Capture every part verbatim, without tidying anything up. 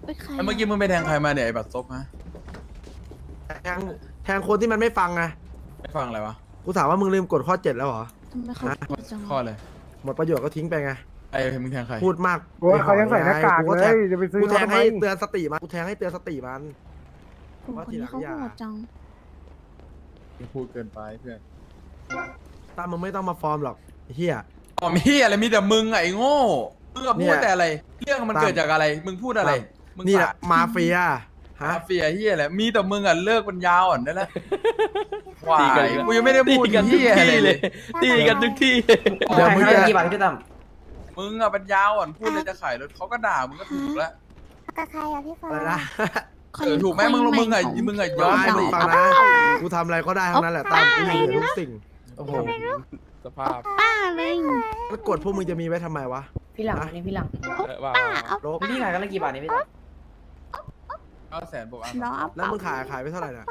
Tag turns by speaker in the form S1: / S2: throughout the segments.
S1: ไปใคร
S2: เมื่อกี้มึงไปแทงใครมาเนี่ยไอ้บัตรซบฮะ
S3: แทงแทงคนที่มันไม่ฟังไง
S2: ไม่ฟังอะไรวะ
S3: กูถามว่ามึงลืมกดข้อเจ็ดแล้วเหรอ
S1: ทำไมเขาพูดจัง
S2: ข้อเลย
S3: หมดประโยชน์ก็ทิ้งไปไง
S2: ไอ้มึงแทงใคร
S3: พูดมาก
S4: โอ้ยเขายังใส่หน้ากาก
S3: กู
S4: เล
S3: แท
S4: ย
S3: ง
S4: จะไปซื้อ
S3: กูแทง
S4: ทำไม
S3: ให้เตือนสติมันกูแทงให้เตือนสติมัน
S1: กลุ่มคนนี้เขาโหดจัง
S2: มึงพูดเกินไปเพื่อน
S3: ตามมึงไม่ต้องมาฟอร์มหรอกไอ้เฮีย
S2: อ๋อมีเหี้ยอะไรมีแต่มึงอะไอ้โง่มึงก็
S3: เนี่
S2: พูด
S3: ย
S2: แต่อะไรเรื่องมัน
S3: ตาม
S2: เกิดจากอะไร มึงพูดอะไรมึง
S3: นี่แหละ
S2: ปาก
S3: มาเฟียฮะ
S2: มาเฟียเฮียแหละมีแต่มึงอ่ะเลิกมันยาวอ่ะนั่นแหละวา
S5: ตีกัน
S2: ยกูยังไม่ได้พูด
S5: ตีกันทุก
S2: เฮียอะไร
S5: ที่
S2: เล
S5: เลย ย ตีกันทุกที่
S3: เดี๋ยวมึงจะ
S6: กี่บาทพี่ตั้ม
S2: มึงอ่ะเป็นยาวอ่ะพูดเลยจะขายรถเขาก็ด่ามึงก็ถูกแล้ว
S7: กับใครอะพี่ฟ้า
S3: อะไรนะ
S1: คน
S2: เออถูกไหมมึงมึงอ่ะมึงอ่ะย้อน
S3: ไม่
S2: ไป
S3: มึงฟังนะกูทำอะไรก็ได้ทั้งนั้นแหละตามกูอยู่ในทุกสิ่ง
S2: โอ้โห
S5: สภาพ
S1: ป้าเลย
S3: แล้วกดพวกมึงจะมีไว้ทำไมวะ
S6: พี่หลังนี่พี่หลัง
S5: เออว่า
S1: ป้าเอา
S3: โลก
S6: พี่ขายกันละกี่บาทนี่พี่ตั้ม
S2: เก้าแสนบวกอ่ะ
S1: ล้อเอา
S3: แล้วมึงขายขายไปเท่าไหร่น่ะ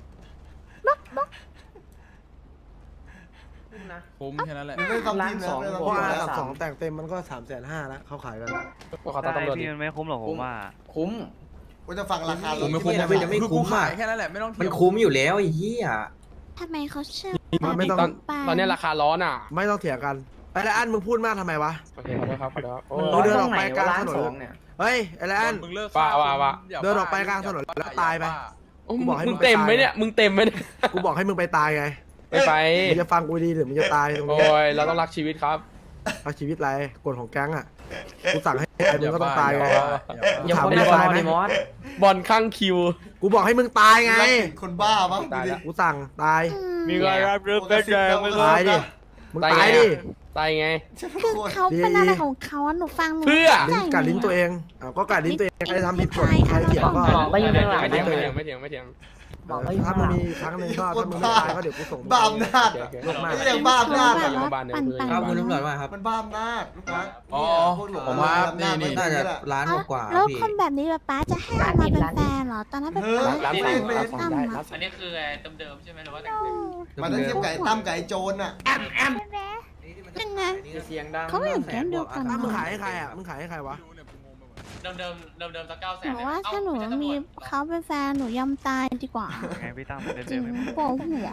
S6: นะ
S2: คุ้มแค่นั้นแหละ
S6: ล้านสอง
S3: เพราะอากับสองแต่งเต็มมันก็สามแสนห้าแล้วเขาขายกัน
S5: ก็ขอตามตำรวจดิ
S8: พี่มันไม่คุ้มหรอกผมว่า
S6: คุ้ม
S9: กูจะฟังราคา
S2: ผมไม่คุ้ม
S9: ไม่จะไม่
S2: คือ
S9: คุ้
S2: กู
S9: ม
S2: ขา
S9: อ่ะ
S2: ยแค่นั้นแหละไม่ต้องเถี
S6: มัน
S2: ยง
S6: คุ้มอยู่แล้วไอ้เหี้ย
S1: ทำไมเขาเชื่อ
S3: มันไม่ต้อง
S5: ตอนตอนนี้ราคาร้อนอ่ะ
S3: ไม่ต้องเถียงกันไอ้ไรอันมึงพูดมากทำไมวะ
S5: โอเคขอโทษครับขอโทษโอ้
S3: มึงเดิน
S5: ย
S3: ออกไปกลางถนน
S6: ล้านสองเนี่ย
S3: เฮ้ยไอ้ไรอัน
S2: มึงเลิก
S5: ว่าว่าว่า
S2: อย่
S3: เดินออกไปกลางถนนแล้วตายไป กูบอกให้มึ
S5: มึ
S3: ง
S5: งเต็มไหม
S3: ไปตาย
S5: เนี่ย มึงเต็มไหมเนี่ย
S3: กูบอกให้มึงไปตายไง
S5: ไปไป
S3: มึงจะฟังกูดีหรือมึงจะตายตรง
S5: โอ้
S3: นี้
S5: ย เราต้องรักชีวิตครับ
S3: เอาชีวิตไรกฎของแก๊งอ่ะกูสั่งให้ไอ้มึงก็ต้องตายไง
S5: อย่า
S6: ยัง
S3: ถาม
S6: คน
S3: ไม่
S6: ใน
S3: ได้
S6: บอล
S3: ไหม
S6: ในมอส
S5: บอลข้างคิว
S3: กูบอกให้มึงตายไง
S9: คนบ้าปะ
S5: ตายแล้ว
S3: กูสั่งตาย
S5: มีใครรับรู้
S9: เป็นแดงไม่
S3: ตายดิมึงตายดิ
S5: ตายไง
S1: คือเขาเป็นอะไรของเขาอะหนูฟังหนู
S5: เพื่อ
S3: ลิ้นกัดลิ้นตัวเองอ่ะก็กัดลิ้นตัวเองใครทำผิดกฎใครเถียงก็
S6: หมอก็อยู่ข้างหลัง
S5: ไม่
S6: นะ
S5: เถียงไม่เถียงไม่เถียงไม่เถียง
S6: หมอก็อยู่
S3: ถ้า
S6: ข้างห
S3: มึง
S6: ลัง
S3: มีครั้งหนึ่งก็ถ้ามึงไม่ตายก็เดี๋ยวกูส่ง
S9: บ้าอำนาจ
S5: โอ
S9: อะ
S5: เค
S3: ลงมา
S9: นี่อย่างบ้าอำนาจ
S1: แบ
S9: อะ
S1: บว่าปั่นปั่น
S6: ครับคุณตำรวจว่าครับ
S9: มันบ้าอำนาจลูกนะ
S2: อ๋อ
S9: พวกหลง
S2: ผมว่านี่นี่
S9: น่าจะ
S6: ล้าน
S1: เอ้าก
S6: ว่า
S1: แล้วคนแบบนี้แบบป้าจะให้เอามาเป็นแฟนเหรอตอนนั้นเป็นป้า
S5: ร้าน
S1: แต่
S5: สาม
S1: ง
S5: ร้านสาม
S1: ตั้ม
S5: ได้
S1: อะ
S5: ร้านสาม
S8: อันนี้คือเดิมๆใช่ไหมหรือว่าแต่งเต็ม
S9: มันต้องเทียบไก่ตั้มไก่โจรอ่ะ
S1: ยังไง
S6: เสียงดัง
S1: เขาไม่เห็นแก๊งเดียวกัน
S3: ถ้ามึงขายให้ใครอ่ะมึงขายให้ใครวะ
S8: เดิมเดิมเดิมเดิมสักเก้าแส
S1: ห
S8: น
S1: นูว่าถ้าหนูมีเขาเป็นแฟนหนูยอมตายดีกว่า
S8: ไงพี่ตั้มเดิม
S1: จ
S8: เดิ
S1: ริง
S8: มไม่หมด
S1: ปวดหัว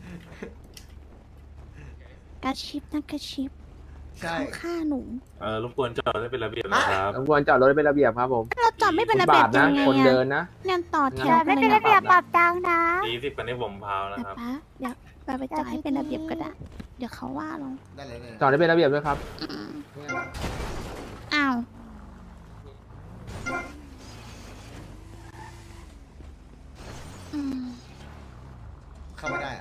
S1: กระชิบนะกระชิบ
S9: ใช่
S1: เขาฆ่าหนู
S10: เออรบกวนจอดให้เป็นระเบียบนะครับ
S4: รบกวนจอดรถเป็นระเบียบครับผม
S1: เราจอดไม่เป็นระเบียบยังไง
S4: คนเดิ
S1: อะ
S4: นนะ
S1: เนี่ยต่อแถว
S7: ไม่
S1: กัน
S7: เป็น
S1: เลย
S7: ระเบียบปรับตังค์นะ
S10: ตีสิบกันให้ผมพาวนะ
S1: แต่
S10: ครับ
S1: ป้าอยากไปไปจอดให้เป็นระเบียบก็ได้ เดี๋ยวเขาว่าเรา
S9: ได้เลยได้เลย
S4: จอดได้เป็นระเบียบด้วยครับ
S1: อืมอ้าวอืม
S9: เข้าไม่ได้อ่ะ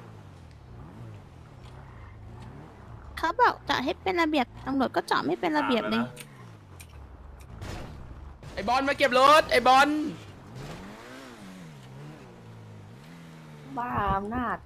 S1: เขาบอกจอดให้เป็นระเบียบตำรวจก็จอดไม่เป็นระเบียบเลย
S5: ไอ้บอลมาเก็บรถ ไอ้บอล
S6: บ้าอำนาจ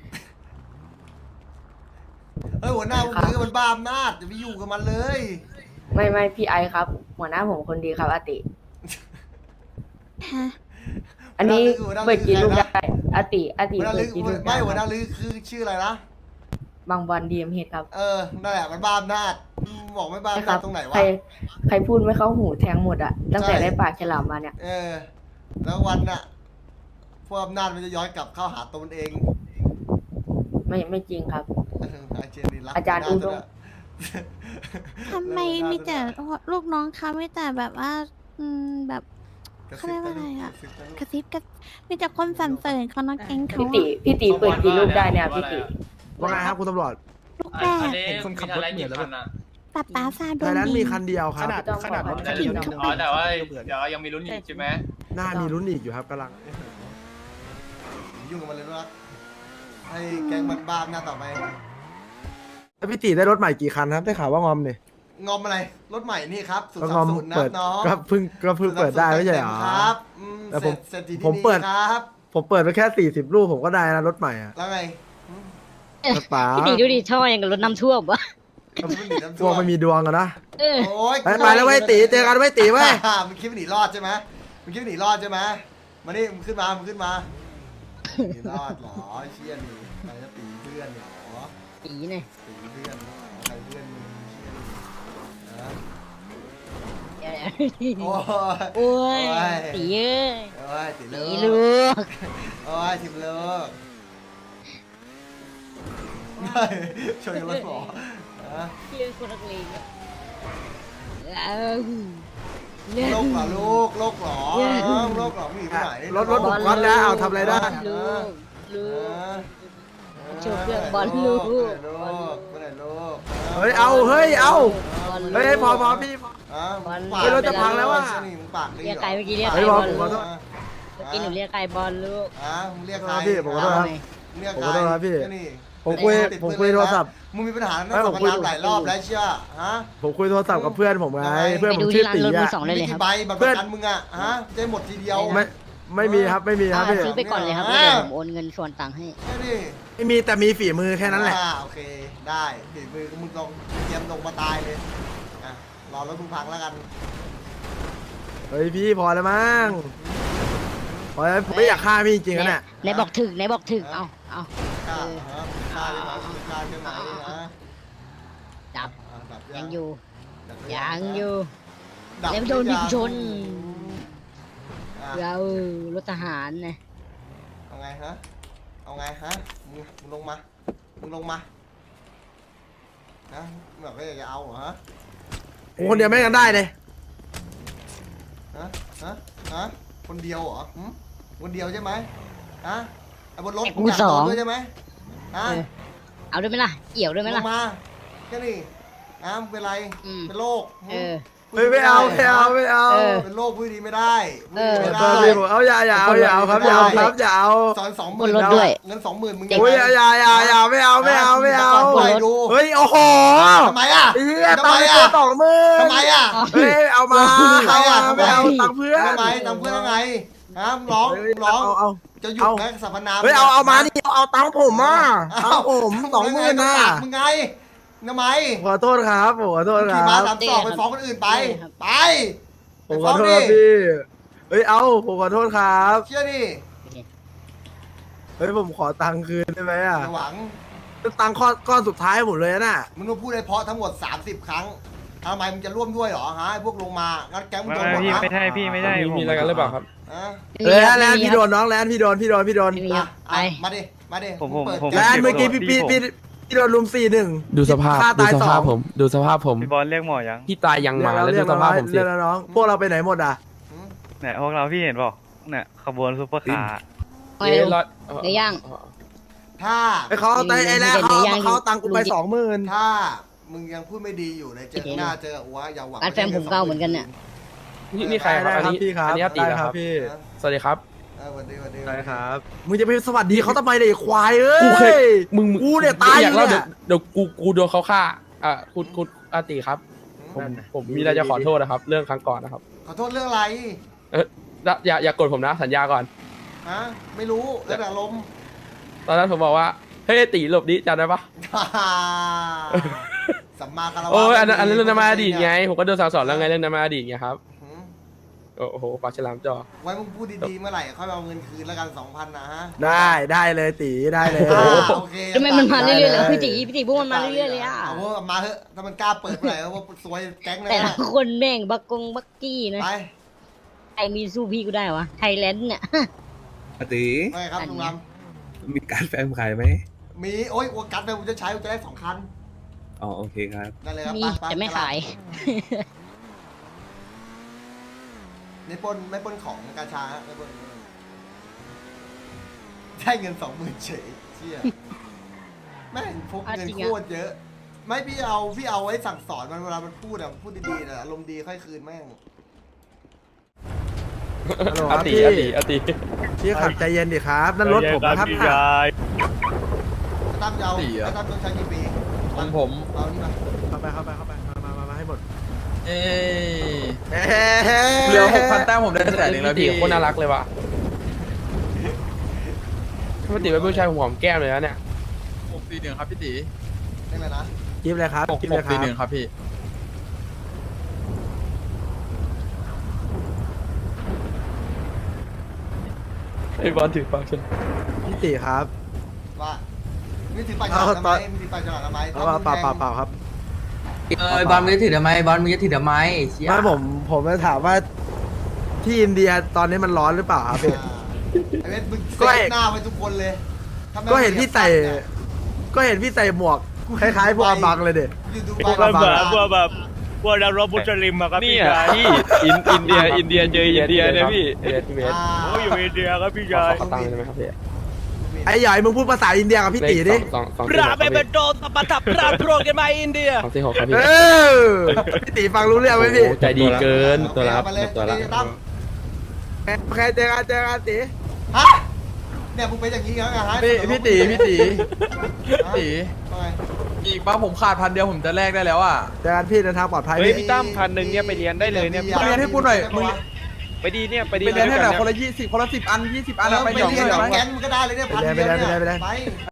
S9: เฮ้ยหัวหน้าพวกนี้ก็มันบ้าอำนาจอย่าไปอยู่กับมันเลย
S6: ไม่ไม่พี่ไอครับ หัวหน้าผมคนดีครับอาติ
S1: ฮะ
S6: อันนี้เปิดกี่ลูกได้อาติอาติ
S9: หัวหน้า
S6: เปิ
S9: ลื
S6: ด
S9: อ
S6: กี่ลูก
S9: ไม่
S6: ได้
S9: หัวหน้าลือคือชื่ออะไรนะ
S6: บางบอลดีเอ็มเฮดครับ
S9: เออนั่นแหละมันบ้าอำนาจบอกไม่บ้า
S6: ใช่
S9: อำ
S6: ค
S9: นา
S6: รั
S9: จตรงไหนวะ
S6: ใครใครพูดไม่เข้าหูแทงหมดอะตั้งแต่
S9: ใช่
S6: ได้ปากฉลามมาเนี่ย
S9: เออ แล้ววันน่ะพวกอำนาจมันจะย้อนกลับเข้าหาตัวมันเอง
S6: ไม่ไม่จริงครับ
S9: เอออาเจนนี่รัก
S6: อาจารย์อุดม
S1: ทำไมมีแต่ลูกน้องเขาไม่แต่แบบว่า อืมแบบ
S9: กระ
S1: เขา
S9: ซิ
S1: เรีย
S9: บ
S1: กว่าอะไรอะ
S9: กระซิบ
S1: กระซิบกระมีแต่คนสรรเสริญเขาน้องแก๊งเขา
S6: พี่ติพี่ติเปิดกี่ลูกได้เนี่ยพี่ติ
S3: ว่าไงครับคุณตำรวจ
S1: ลูก
S8: อั
S1: แร
S8: น
S1: ก
S8: นี้มีอะไรกี่คันอ่ะ
S1: ป้าป้าซาโด
S3: แต่
S1: น
S3: นั้น
S1: ดี
S3: มีคันเดียวครับ
S4: ขนาดรถคันเดียวนะ
S8: อ๋อแต่ว่าเดี๋ยวยังมีลุ้นอีกใช่ไหม
S3: หน้ามีลุ้นอีกอยู่ครับกำลัง
S9: ยุ่งกับมันเลยนะให้แก๊งมันบ้าอำนาจต่อไป
S3: แล้วพี่ตีได้รถใหม่กี่คันครับได้ข่าวว่างอมเนี่ย
S9: งอมอะไร รถใหม่นี่ครับศูน
S3: ก็
S9: ย์
S3: ง
S9: สา
S3: อ
S9: ม
S3: ม
S9: ศูนย์นะ
S3: เปิด
S9: น้อง
S3: ก็เพิ่งก็เพิ่งเปิดได้ไม่ใช่เหรอ
S9: ครับอืม
S3: แต่ผม
S9: เสร็จเสร็จที่
S3: ผม
S9: นี่
S3: เปิด
S9: ครับ
S3: ผมเปิดไปแค่สี่สิบลูกผมก็ได้นะรถใหม่อะ
S9: แล้วไง
S3: รถป๋า
S7: พี่ตีดูดิช่อยังกับรถน้ำท่วมวะ
S3: พวกไม่มีดวงอะนะ
S7: เออ
S9: โอ้ย
S3: ไปไปแล้วไว้ยตีเจอกันไว้ยตีไว้ย
S9: มึงคิดว่าหนีรอดใช่ไหมมึงคิดว่าหนีรอดใช่ไหมมานี่มึงขึ้นมามึงขึ้นมาหนีรอดเหรอเชี่ยนี่ใครจะตีเพื่อนเหรอ
S7: ตีเนี่ย
S9: ตีเพื่อนเหรอใครเพื่อนมึงเชี่ยนี่นะ
S7: ไ
S9: โอ้ย
S7: โอ้ย
S9: โอ้ย
S7: ตีเอ้ย
S9: โอ้ยติดเลิ
S7: ตี
S9: ก
S7: ลูก
S9: โอ้ยติดเลิกเฮ้ยชนกับรถหมอฮะ
S7: เรื่องคนนักเลงอะเอา
S9: โลกเหรอลูกโลกเหรอโลกเหรอมึงหนีไปไหน
S3: รถรถผมก๊อตแล้วเอาทำอะไรได้
S7: ลูกลู
S9: เอก อ
S7: โชว์เครื่องบอลลูก
S9: ไปไหนลูกไปไหนลูก
S3: เฮ้ยเอาเฮ้ยเอา
S7: บอลลูก
S3: เฮ้ยพอพอพี่พอ
S9: อ่ะ
S7: บอล
S9: ปาก
S3: เฮ้ยรถจะพังแล้วอะ
S9: นี่มึงปากดี
S7: เรียก
S9: หรอ
S7: ไก่เมื่อกี้เรียก
S3: เฮ้
S7: ไก่
S3: ย
S7: บบ อ
S3: อ
S7: ล
S3: ล
S7: ลู
S3: ผมข
S7: ก
S3: อโทษ
S7: เมื่อกี้หนูเรียกไก่บอลลูก
S9: อ่ะมึงเรียกใคร
S3: พี่ผมขอโทษครับ
S9: มึงเรียก
S3: ผม
S9: ใคร
S3: ขอโทษครับพี่
S9: แนี่
S3: ผมคุย
S9: ติด
S3: ผม
S9: ปืน
S3: คุย
S9: เล
S3: โทร
S9: นะ
S3: ศัพท์
S9: มึงมีปัญหาเรื่
S3: ไม่
S9: อง
S3: ผ
S9: สั
S3: ม
S9: มป
S3: คุย
S9: ทานหลายรอบแล้วเชื่อฮะ
S3: ผมคุยโทรศัพท์กับเพื่อนผมไง
S9: ยังไง
S3: เพื่อน
S7: ไป
S3: ผม
S7: ดู
S3: ชื่
S7: ที่
S3: อ
S7: ร้าน
S3: ตี
S7: รถมื
S3: อะ
S7: อสองเลยเลย
S9: มี
S7: ครับ
S9: กี่ใบบัตรประกันมึงอ่ะฮะจะได้หมดทีเดียว
S3: ไม่ไม่มีครับไม่มีครับพี่
S7: อ่าซื้อไปก่อนเลยครับ
S9: อ่า
S7: เดี๋ยวผมโอนเงินส่วนต่างค์ให้
S9: แค่นี้
S3: ไม่มีแต่มีฝีมือแค่นั้นแหละ
S9: อ่าโอเคได้ฝีมือมึงลองเตรียมลงมาตายเลยอ่ะรอรถมึงพังแล้วกัน
S3: เฮ้ยพี่พอแล้วมั้งพอแล้วผมไม่อยากฆ่าพี่จริงๆนะเนี่ย
S7: ไหนบอกถึกไหนบอกถึก เอาเอา
S9: กล้าฮะกล้าใช่ไหมกล้าใช่ไหมนะ
S7: ดับ
S9: อ่ะดับ
S7: ยังอยู่
S9: ดับ
S7: ยังอยู่
S9: ดับ
S7: แล้วโดนยิงชน
S9: อ่ะ
S7: เรารถทหารนะ
S9: เอาไงฮะเอาไงฮะมึงมึงลงมามึงลงมานะมึงแบบว่าอยากจะเอาเหรอฮะ
S3: ผมคนเดียวไม่กันได้เลย
S9: ฮะฮะฮะคนเดียวเหรอหึคนเดียวใช่ไหมฮะไอ้บนรถ
S7: ไอ้กู
S9: มึงยาก
S7: สอง
S9: โดนด้วยใช่ไหมฮะ
S7: เออเอาด้วยไหมล่ะ เอี่ยวด้วยไหม
S9: ล
S7: ล่ะ
S9: งมาแค่นี้อ้ามเป็นไร
S7: อืม
S9: เป็นโรค
S7: เออ
S3: เฮ้ยไม่เอาไม่เอาไม่เอา
S7: เออ
S9: เป็นโรคพูดดีไม่ได้
S7: เออ
S9: พูดดี
S3: ตอน
S9: ไม่
S3: นี้
S9: ได้
S3: ผมเอาอย่าอย่าเอาอย่าเอาครับอย่าเอาครับอย่าเอา
S9: สอนสองห
S7: บ
S9: มื่
S7: น
S9: น
S7: รถด้วย
S9: เงินสองหมื่นมึง
S3: โอ้ยอย่าอย่าอย่าอย่าไม่เอาไม่เอาไม่เอา
S9: ปล่อยดู
S3: เฮ้ยโอ้โห
S9: ทำไมอ่ะ
S3: ไอ้เหี้ย
S9: ทำ
S3: ตัง
S9: ไม
S3: ค์
S9: อ่ะ
S3: ตัวสองหมื่น
S9: ทำไมอ่ะ
S3: เฮ้ยเอามา
S9: ทำไม
S3: เอา
S9: อ่ะ
S3: มาไม่เอาตังค์เพื่อน
S9: ทำไมทำเพื่ออะไรฮะมึงร้อง
S3: เฮ้ย
S9: มึงร้อง
S3: เอาเอา
S9: จะหยุด
S3: เอา
S9: ไหมสรรพนาม
S3: เฮ้ยเอาเอามานี่เอาตังค์ผมอ่ะ
S9: เอ้า
S3: เอาผมสองหมื่นน่ะ
S9: มึงไงทำไม
S3: ขอโทษครับผมขอโทษค
S9: ขี่
S3: รั
S9: ม้า
S3: บ
S9: สามสองไปฟ้องคนอื่นไป
S7: ครับ
S9: ไป
S3: ผ
S9: ไป
S3: มข
S9: ฟ้
S3: อ
S9: อง
S3: โทษ
S9: ดิ
S3: ครับพี่เฮ้ยเอาผมขอโทษครับ
S9: เชื่อดิ
S3: เฮ้ยผมขอตังค์คืนได้ไหมอ่ะ
S9: อย่าหวัง
S3: ตังค์ก้อนก้อนสุดท้ายผมเลยน่ะ
S9: มึงต้องพูดให้เพราะทั้งหมดสามสิบครั้งทำไมมึงจะร่วมด้วยเหรอฮะไอ้พวกลงมางั้นแก๊งมึงโดนหมดนะ
S5: ไม่ใช่พี่ไม่ใช่มีอะไรกันหรือเปล่าครับ
S9: ฮะ
S3: เออแลนด์พี่โดนน้องแลนด์พี่โดนพี่โดนพี่โดน
S7: ไม่มีค
S9: อ่ะ
S7: รับ
S9: อ่ะ
S7: ไป
S9: มาดิ มาดิ
S5: ผมผม
S9: งเปิด
S5: ผม
S3: แลนด์เมื่อกี้พี่พี่พี่พี่โดนลุมสี่หนึ่ง
S5: ดูสภาพ
S3: ฆ่า
S5: ดู
S3: ตาย
S5: ส
S3: สอ
S5: ภาพ
S3: ง
S5: ผม ดูสภาพผม
S8: พี่บอลเรียกหมอยัง
S5: พี่ตายยังหมา
S3: เรี
S5: แล้ว
S3: ย
S5: ดู
S3: ก
S5: ส
S3: แล้ว
S5: ภาพผมสิ
S3: เรียกแล้วน้องพวกเราไปไหนหมดอ่ะ
S9: หืม
S8: เนี่ยพวกเราพี่เห็นเปล่าเนี่ยขบวนซุปเปอร์คาร์
S7: ไปเร็ว
S5: รอด
S7: เดี๋ยวย่าง
S9: ถ้า
S3: ไอ้เขาเอาไตไอ้แล้วเขาเอาเขาเอาตังค์กูไปสองหมื่น
S9: ถ้ามึงยังพูดไม่ดีอยู่ในเจอหน้าเจออัวอย่าหวัง
S7: ร้านแฟนผมเก่าเหมือนกันเนี่ย
S5: นี่นี่ใครครับอันนี้
S3: พี่ครับ
S5: อันนี้อาตี
S3: ได้
S5: เหรอ
S3: ค
S5: ค
S3: รั
S5: รั
S3: บบ พี่
S9: นะ
S5: สวัสดีครับ
S9: เออวันดีวันดี
S3: ได้ครับมึงจะไปสวัสดีเขาทำไมเนี่ยไอ้ควายเอ้
S5: กูเคย
S3: ย
S5: มึงมึง
S3: กูเนี่ยตาย
S5: อยากเล่า
S3: อยู่
S5: เดี๋ยว
S3: เนี่ย
S5: เดี๋ยวกูกูโดนเขาฆ่าอ่ะคุณคุณอาตีครับ ผมผมมีอะไรจะขอโทษนะครับ เรื่องครั้งก่อนนะครับ
S9: ขอโทษเรื่องอะไร
S5: เอออย่าอย่าอย่ากดผมนะสัญญาก่อน
S9: ฮะไม่รู้แล้วแต่ลมณ์
S5: ตอนนั้นผมบอกว่าเฮ้ยตีหลบดิจำได้ปะ
S9: สัมมาคารวะ
S5: โอ้ยอันนั้นอันนั้นเรื่องน้ำมาอดีตไงผมก็โดนสั่งสอนแล้วไงเรื่องน้ำมาอดีตไงครับ
S9: หืม
S5: โอ้โหปากฉลามจอ
S9: ไว้มึงพูดดีๆเมื่อไหร่ค่อยเอาเงินคืนแล้วกันสองพันนะฮะ
S3: ได้ได้เลยตีได้เลย
S9: อ่าโอเค
S7: ทำไมมันมาเรื่อยๆเหรอ
S3: ได้
S7: พี่ตีพี่ตีพวกมันมาเรื่อยๆเลยอ่ะ
S9: เอาว่ามาเถอะถ้ามันกล้าเปิดเมื่อไหร่ว่าสวยแก๊งเลย
S7: แต่ละ
S9: นะ
S7: คนแม่งบักกงบักกี้นะ
S9: ไป
S7: ไอมีสู้พี่กูได้วะไทยแลนด์เนี่ย
S11: ปติ
S9: ไปครับลุงล
S11: มีการแฟมขายไหม
S9: ำมีโอ้ยวัวกัดไปผมจะใช้ผมจะได้สองคัน
S11: อ๋อโอเคครับ
S9: ได้เลยครับ
S7: มี
S9: ไปป
S7: แต่ไม่ขาย
S9: ไม่ปล้นไม่ปล้นของกาชาฮะไม่ปล้นได้เงินสองหมื่นเฉยเชี่ยแม่งพกเงินโคตรเยอะ ไม่พี่เอาพี่เอาไว้สั่งสอนมันเวลามันพูดอะพูดดีๆนะอารมณ์ดีค่อยคืนแม่ง
S3: ฮัลโหลค
S5: อา
S3: รับ
S5: ตี
S3: พี่
S5: อาตีอาตี
S3: พี่ขับใจเย็นดิครับนั่นรถผมนะครับน่ะ
S9: ตั้มยาว
S2: สี่เหรอ
S9: ตั้มต้องใช้กี่ปี
S2: ของผม
S9: เอานี่มา
S3: เข้าไปเข้าไปเข้าไปมามามามาให้หมด
S2: เอ้ย
S3: เอ้ย
S2: เหลือหกพันแต้มผมได้แสนหนึ่งแล้ว
S5: พี่
S2: พี่
S5: ตีโคตรน่ารักเลยว่ะพี่ตีเป็นผู้ชายหัวหอมแก้มเลยนะเนี่ย
S2: หกสี่หนึ่งครับพี่ตี
S9: ได้เลยนะ
S3: กิฟเลยครับ
S2: หก
S3: กิฟ
S2: ห
S3: เล
S2: ก
S3: ยค
S2: สี่
S3: รับ
S2: หนึ่งครับพี่
S5: ไอ้บอลถือปากฉัน
S3: พี่ตีครับ
S9: ว่ามีถือปากฉลามทำไมมีถือปากฉลามทำไม
S3: เอาเปล่าเปล่าเปล่าครับ
S2: เออบอลมึงจะถือทำไมบอลมึงจะถือทำไมเชี่ย
S3: ไม่ผมผมจะถามว่าที่อินเดียตอนนี้มันร้อนหรือเปล่าครับพี่
S9: ไอ้เวทมึง
S3: ก็
S9: เซ็
S3: เห็
S9: ต
S3: น
S9: หน้าไว้ทุกคนเลยถ้าไม่
S3: ก็เห็นพี่ใส่
S9: เนี่ย
S3: ก็เห็นพี่ใส่หมวกคล้ายๆพวกอาบังเลยเด็
S9: อยู่ดู
S3: พวกอาบัง
S8: พวกแบบพวกนักรบมุสลิมอะครับพี่ชายพี่อินอินเดียอินเดียเจออินเดียเนี่ยพี่
S5: เอสพีเอส
S9: อ่า
S8: โอ้ยอยู่อินเดียครับพี่
S5: ขอ
S8: ชาย
S5: ขอตังค์ได้ไหมครับพี่
S3: ไอ้ใหญ่มึงพูดภาษาอินเดียกับพี่ตีดิ
S5: สองสอง
S8: ป
S5: สี่ห
S8: ราก
S5: ครับ
S8: เป
S5: พี่
S8: โดตปะทับปราโปรกันมาอินเดีย
S5: สองสี่หกครับพี่
S3: เออพี่ตีฟังรู้เรื่องไหมพี่
S5: โอ้ใจดีเกิน
S9: โอเค
S5: ตัวละครับ
S9: เอามาเลย
S5: ตัวละ
S9: นี่ตั้ม
S3: โอเคเจอกันเจอกันตี
S9: ฮะเนี่ยมึงเป็นอย่างนี้เหรอฮะ
S2: พี่พี่ตีพี่ตี
S9: ฮะ
S2: ตี
S9: ทำไม
S2: อีกบ้าผมขาดพันเดียวผมจะแลกได้แล้วอ่ะ
S3: เจอกันพี่เดินทางปลอดภัย
S8: เฮ้ย
S3: พี่
S8: พี่ตั้มพันหนึ่งเนี่ยไปเรียนได้เลยเนี่ย
S2: ไปเรียนให้กูหน่อยมึง
S8: ไปดีเนี่ยไปดี
S2: ไปเรียนให้หน่อย
S8: ด้ว
S2: คน
S8: กั
S2: ละยี่สิบคนละสิบอันยี่สิบอัน
S9: เอ
S2: อะ
S9: อ
S2: ไป
S9: ไป
S2: หยอก
S9: เรียน
S2: ได้
S9: กับ
S2: ไหม
S9: แก๊งมึงก็ได้เลยเนี่ยพันเดียวเนี่ยไป